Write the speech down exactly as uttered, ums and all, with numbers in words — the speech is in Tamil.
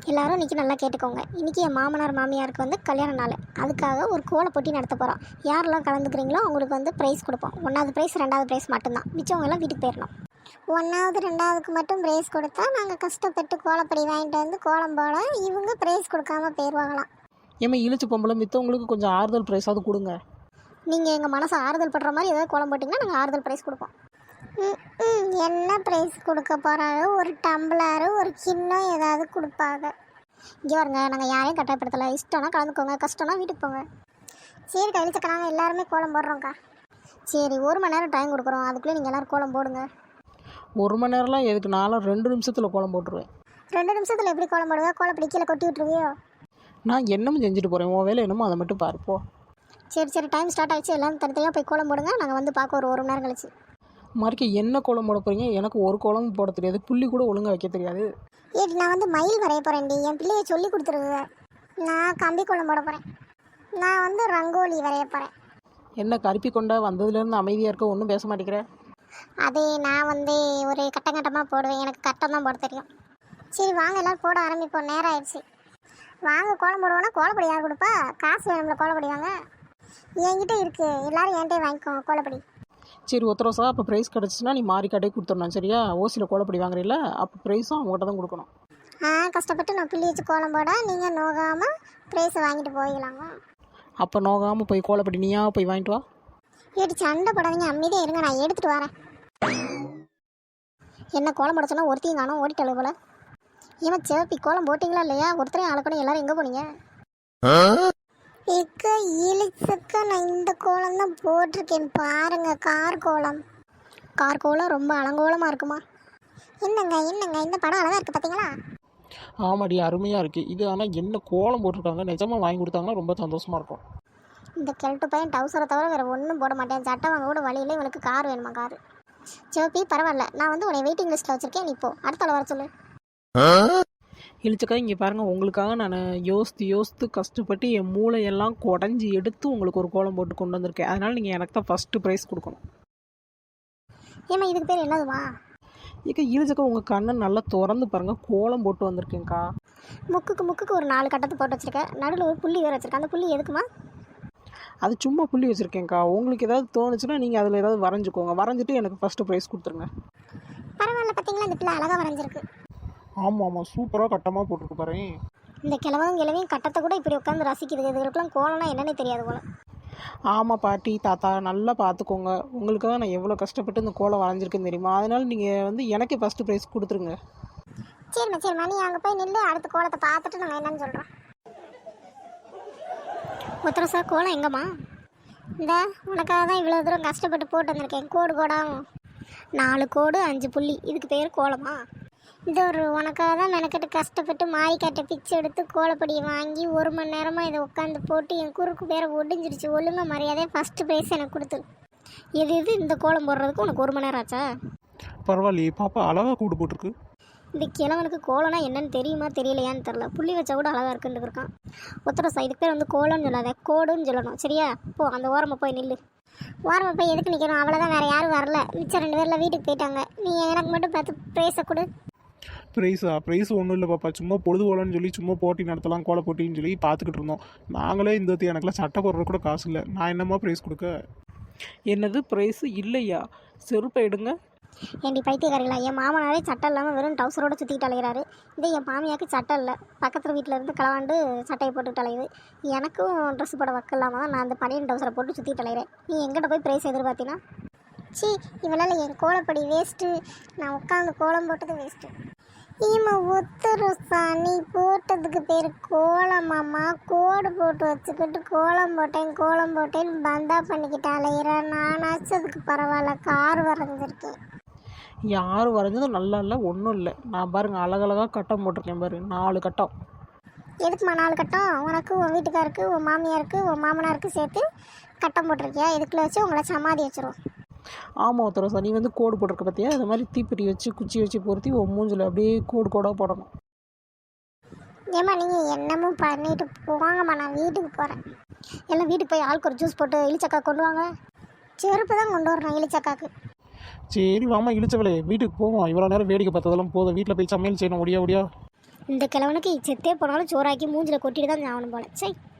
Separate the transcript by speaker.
Speaker 1: எல்லாரும் இன்றைக்கி நல்லா கேட்டுக்கோங்க. இன்றைக்கி என் மாமனார் மாமியாருக்கு வந்து கல்யாண நாள். அதுக்காக ஒரு கோல போட்டி நடத்த போகிறோம். யாரெல்லாம் கலந்துக்கிறீங்களோ அவங்களுக்கு வந்து ப்ரைஸ் கொடுப்போம். ஒன்றாவது ப்ரைஸ் ரெண்டாவது ப்ரைஸ் மட்டும்தான். மிச்சவங்க எல்லாம் வீட்டுக்கு போயிடணும். ஒன்றாவது ரெண்டாவதுக்கு மட்டும் ப்ரைஸ் கொடுத்தா நாங்கள் கஷ்டப்பட்டு கோலப்பொடி வாங்கிட்டு வந்து கோலம் போட இவங்க ப்ரைஸ் கொடுக்காம போயிடுவாங்களாம்.
Speaker 2: ஏமா இழுச்சு பொம்பளை மித்தவங்களுக்கு கொஞ்சம் ஆறுதல் ப்ரைஸாவது கொடுங்க.
Speaker 1: நீங்கள் எங்கள் மனசை ஆறுதல் படுற மாதிரி ஏதாவது கோலம் போட்டிங்கன்னா நாங்கள் ஆறுதல் ப்ரைஸ் கொடுப்போம். ம் என்ன ப்ரைஸ் கொடுக்க போகிறாங்க? ஒரு டம்ளரு ஒரு கிண்ணம் ஏதாவது கொடுப்பாங்க. இங்கே வருங்க, நாங்கள் யாரையும் கட்டாயப்படுத்தலை. இஷ்டம்னா கலந்துக்கோங்க, கஷ்டம்னா வீட்டுக்கு போங்க. சரி கழிச்சக்க நாங்கள் எல்லாருமே கோலம் போடுறோங்க்கா. சரி ஒரு மணி நேரம் டைம் கொடுக்குறோம், அதுக்குள்ளே நீங்கள் எல்லோரும் கோலம் போடுங்க.
Speaker 2: ஒரு மணி நேரம்லாம் எதுக்கு? நானும் ரெண்டு நிமிஷத்தில் கோலம் போட்டுருவேன்.
Speaker 1: ரெண்டு நிமிஷத்தில் எப்படி கோலம் போடுவா? கோலப்படி கீழே கொட்டி விட்டுருவியோ?
Speaker 2: நான் என்னமோ செஞ்சுட்டு போகிறேன், உன் வேலை என்னமோ அதை மட்டும் பார்ப்போம்.
Speaker 1: சரி சரி டைம் ஸ்டார்ட் ஆகிடுச்சு. எல்லோரும் தனித்தனியாக போய் கோலம் போடுங்க. நாங்கள் வந்து பார்க்க ஒரு ஒரு மணி நேரம் கழிச்சு.
Speaker 2: மறுக்க என்ன கோலம் போட போகிறீங்க? எனக்கு ஒரு கோலமும் போட தெரியாது, புள்ளி கூட ஒழுங்காக வைக்க தெரியாது.
Speaker 1: ஏடி நான் வந்து மயில் வரைய போகிறேன்டி, என் பிள்ளையை சொல்லி கொடுத்துருங்க. நான் கம்பி கோலம் போட போகிறேன். நான் வந்து ரங்கோலி வரைய போகிறேன்.
Speaker 2: என்ன கருப்பி கொண்டா வந்ததுலேருந்து அமைதியாக இருக்க, ஒன்றும் பேச மாட்டேங்கிறேன்.
Speaker 1: அதே நான் வந்து ஒரு கட்டம் கட்டமாக போடுவேன், எனக்கு கட்டம் தான் போட தெரியும். சரி வாங்க எல்லோரும் போட ஆரம்பிப்போம், நேரம் ஆயிடுச்சு. வாங்க கோலம் போடுவோன்னா கோலப்பொடி யார் கொடுப்பா? காசு வேணும்ல, கோலப்பொடி வாங்க. என்கிட்ட இருக்குது, எல்லோரும் என்கிட்ட வாங்கிக்கோங்க கோலப்பொடி.
Speaker 2: சரி ஒத்தரோசா, அப்போ ப்ரைஸ் கிடச்சிச்சின்னா நீ மாறி கடையை கொடுத்துடணும் சரியா? ஓசியில் கோலப்படி வாங்குறீல்ல, அப்போ ப்ரைஸும் அவங்ககிட்ட தான் கொடுக்கணும்.
Speaker 1: ஆ கஷ்டப்பட்டு நான் பிள்ளை வச்சு கோலம் போட நீங்கள் நோகாமல் ப்ரைஸை வாங்கிட்டு போயிடலாங்க.
Speaker 2: அப்போ நோகாமல் போய் கோலப்படி நீயா போய் வாங்கிட்டு வா.
Speaker 1: ஏடி சண்டை போடாதீங்க, அமைதியாக இருங்க, நான் எடுத்துகிட்டு வரேன். என்ன கோலம் போட சொன்னால் ஒருத்தையும் காணும், ஓடிட்டாளு போல. ஏமா சிவப்பி கோலம் போட்டிங்களா இல்லையா? ஒருத்தரையும் ஆளக்கணும், எல்லோரும் எங்கே போனீங்க? இக்க இழிச்சக்க நான் இந்த கோலம் தான் போட்டிருக்கேன் பாருங்க, கார் கோலம். கார் கோலம் ரொம்ப அலங்கோலமாக இருக்குமா? என்னங்க என்னங்க இந்த படம் அழகாக இருக்குது பார்த்தீங்களா?
Speaker 2: ஆமாடி அருமையாக இருக்குது இது. ஆனால் என்ன கோலம் போட்டிருக்காங்க, நிஜமாக வாங்கி கொடுத்தாங்கன்னா ரொம்ப சந்தோஷமாக இருக்கும்.
Speaker 1: இந்த கிழட்டு பையன் டவுசரை தவிர வேறு ஒன்றும் போட மாட்டேன். சட்டை வாங்க கூட வழியில் இவனுக்கு கார் வேணுமா? கார் சிவப்பி பரவாயில்ல, நான் வந்து உன்னை வெயிட்டிங் லிஸ்ட்டில் வச்சுருக்கேன். நீ போ, அடுத்த வர சொல்லு.
Speaker 2: இழிச்சக்கா இங்கே பாருங்கள், உங்களுக்காக நான் யோசித்து யோசித்து கஷ்டப்பட்டு என் மூளையெல்லாம் குடஞ்சி எடுத்து உங்களுக்கு ஒரு கோலம் போட்டு கொண்டு வந்திருக்கேன். அதனால் நீங்கள் எனக்கு தான் ஃபஸ்ட்டு ப்ரைஸ் கொடுக்கணும்.
Speaker 1: ஏமா இதுக்கு பேர் என்னதுமா?
Speaker 2: ஏக்கா இழிச்சக்கா உங்கள் கண்ணை நல்லா திறந்து பாருங்கள், கோலம் போட்டு வந்திருக்கேங்க்கா.
Speaker 1: முக்குக்கு முக்குக்கு ஒரு நாலு கட்டத்தை போட்டு வச்சுருக்கேன், நடுவில் ஒரு புள்ளி வேறு வச்சுருக்கேன். அந்த புள்ளி எதுக்குமா?
Speaker 2: அது சும்மா புள்ளி வச்சுருக்கேங்க்கா. உங்களுக்கு ஏதாவது தோணுச்சுன்னா நீங்கள் அதில் ஏதாவது வரைஞ்சிக்கோங்க, வரைஞ்சிட்டு எனக்கு ஃபஸ்ட்டு ப்ரைஸ் கொடுத்துருங்க.
Speaker 1: பரவாயில்ல, பார்த்தீங்களா இந்த பிள்ளை அழகாக வரைஞ்சிருக்கு.
Speaker 2: ஆமாம் ஆமாம் சூப்பராக கட்டமாக போட்டுருக்கு பாரு.
Speaker 1: இந்த கிழவன் கிழவையும் கட்டத்தை கூட இப்படி உட்காந்து ரசிக்குது. இதுகளுக்கெல்லாம் கோலம்னா என்னன்னே தெரியாது போல.
Speaker 2: ஆமாம் பாட்டி தாத்தா நல்லா பார்த்துக்கோங்க, உங்களுக்காக நான் எவ்வளோ கஷ்டப்பட்டு இந்த கோலம் வரைஞ்சிருக்கேன்னு தெரியுமா? அதனால் நீங்கள் வந்து எனக்கு ஃபஸ்ட்டு ப்ரைஸ் கொடுத்துருங்க.
Speaker 1: சரிம்மா சரிம்மா, நீ அங்கே போய் நின்று அடுத்த கோலத்தை பார்த்துட்டு நாங்கள் என்னன்னு சொல்கிறோம். ஒத்தரசா கோலம் எங்கம்மா? இந்த உனக்காக தான் இவ்வளோ தூரம் கஷ்டப்பட்டு போட்டு வந்திருக்கேன். கோடு கோடாகும், நாலு கோடு அஞ்சு புள்ளி, இதுக்கு பேர் கோலமா? இந்த ஒரு உனக்காக தான் மெனக்கட்டு கஷ்டப்பட்டு மாரிக்காட்டை பிச்சு எடுத்து கோலப்பொடியை வாங்கி ஒரு மணி நேரமாக இதை உட்காந்து போட்டு என் குறுக்கு பேரை ஒடிஞ்சிருச்சு. ஒழுங்காக மரியாதையாக ஃபஸ்ட்டு ப்ரைஸ் எனக்கு கொடுத்து. எது இது இந்த கோலம் போடுறதுக்கு உனக்கு ஒரு மணி நேரம் ஆச்சா?
Speaker 2: பரவாயில்லையே பாப்பா, அழகாக கூடு போட்டிருக்கு.
Speaker 1: இந்த கிழவனுக்கு கோலம்னா என்னன்னு தெரியுமா தெரியலையான்னு தெரில. புள்ளி வச்சா கூட அழகாக இருக்குன்னு இருக்கான். ஒத்தரசா இதுக்கு பேர் வந்து கோலம்னு சொல்லாத, கோடுன்னு சொல்லணும் சரியா? போ அந்த ஓரமாக போய் நில்லு. ஓரமாக போய் எதுக்கு நிற்கணும்? அவ்வளோதான், வேறு யாரும் வரல. மிச்சம் ரெண்டு பேரில் வீட்டுக்கு போயிட்டாங்க. நீ எனக்கு மட்டும் பார்த்து ப்ரைஸை கொடு.
Speaker 3: ப்ரைஸா? ப்ரைஸ் ஒன்றும் இல்லை பாப்பா, சும்மா பொழுது போகலான்னு சொல்லி சும்மா போட்டி நடத்தலாம், கோல போட்டின்னு சொல்லி பார்த்துக்கிட்டு இருந்தோம். நாங்களே இந்த எனக்குலாம் சட்டை போடுறது கூட காசு இல்லை, நான் என்னம்மா ப்ரைஸ் கொடுக்க?
Speaker 2: என்னது ப்ரைஸு இல்லையா? செருப்பை எடுங்க.
Speaker 1: ஏண்டி பைத்தியக்காரிங்களா, என் மாமனாரே சட்டை இல்லாமல் வெறும் டவுசரோடு சுற்றிட்டு அலைகிறாரு. இதே என் மாமியாருக்கு சட்டை இல்லை, பக்கத்தில் வீட்டில் இருந்து களவாண்டு சட்டையை போட்டுக்கிட்டு அலையுது. எனக்கும் ட்ரெஸ் போட வக்க இல்லாமல் தான் நான் அந்த பனியன் டவுசரை போட்டு சுற்றிட்டு அலைகிறேன். நீ எங்கிட்ட போய் ப்ரைஸ் எதிர்பார்த்தினா? சி இவளால் என் கோலப்படி வேஸ்ட்டு, நான் உட்காந்து கோலம் போட்டது வேஸ்ட்டு. ஈமா ஒத்துருசா, நீ போட்டதுக்கு பேர் கோலமாம்மா. கோடு போட்டு வச்சுக்கிட்டு கோலம் போட்டேன் கோலம் போட்டேன்னு பந்தா பண்ணிக்கிட்டு அலையிறேன். நானாச்சும் அதுக்கு பரவாயில்ல, கார் வரைஞ்சிருக்கேன்.
Speaker 2: யார் வரைஞ்சதும் நல்லா இல்லை, ஒன்றும் இல்லை. நான் பாருங்கள் அழகழகாக கட்டம் போட்டிருக்கேன் பாரு, நாலு கட்டம்.
Speaker 1: எதுக்குமா நாலு கட்டம்? உனக்கு உன் வீட்டுக்காருக்கு உன் மாமியாருக்கு உன் மாமனாருக்கு சேர்த்து கட்டம் போட்டிருக்கியா? இதுக்குள்ள வச்சு உங்களை சமாதி வச்சிரும்.
Speaker 2: ஆமாம் ஒருத்தர் நீ வந்து கோடு போட்டிருக்க பார்த்தியா? அது மாதிரி தீப்பெட்டி வச்சு குச்சி வச்சு பொருத்தி உன் மூஞ்சில் அப்படியே கோடு கோடாக போடணும்.
Speaker 1: ஏம்மா நீங்கள் என்னமும் பண்ணிட்டு போவாங்கம்மா, நான் வீட்டுக்கு போகிறேன். எல்லாம் வீட்டுக்கு போய் ஆளுக்கு ஒரு ஜூஸ் போட்டு இழிச்சக்கா கொண்டு வாங்க. செருப்பு தான் கொண்டு வரணும் இழிச்சக்காக்கு.
Speaker 3: சரி வாமா இழிச்சவளே, வீட்டுக்கு போவோம். இவ்வளோ நேரம் வேடிக்கை பார்த்ததெல்லாம் போதும், வீட்டில் போய் சமையல் செய்யணும். ஒடியா ஒடியா
Speaker 1: இந்த கிழவனுக்கு செத்தே போனாலும் சோறாக்கி மூஞ்சில் கொட்டிட்டு தான் ஆகணும் போல சை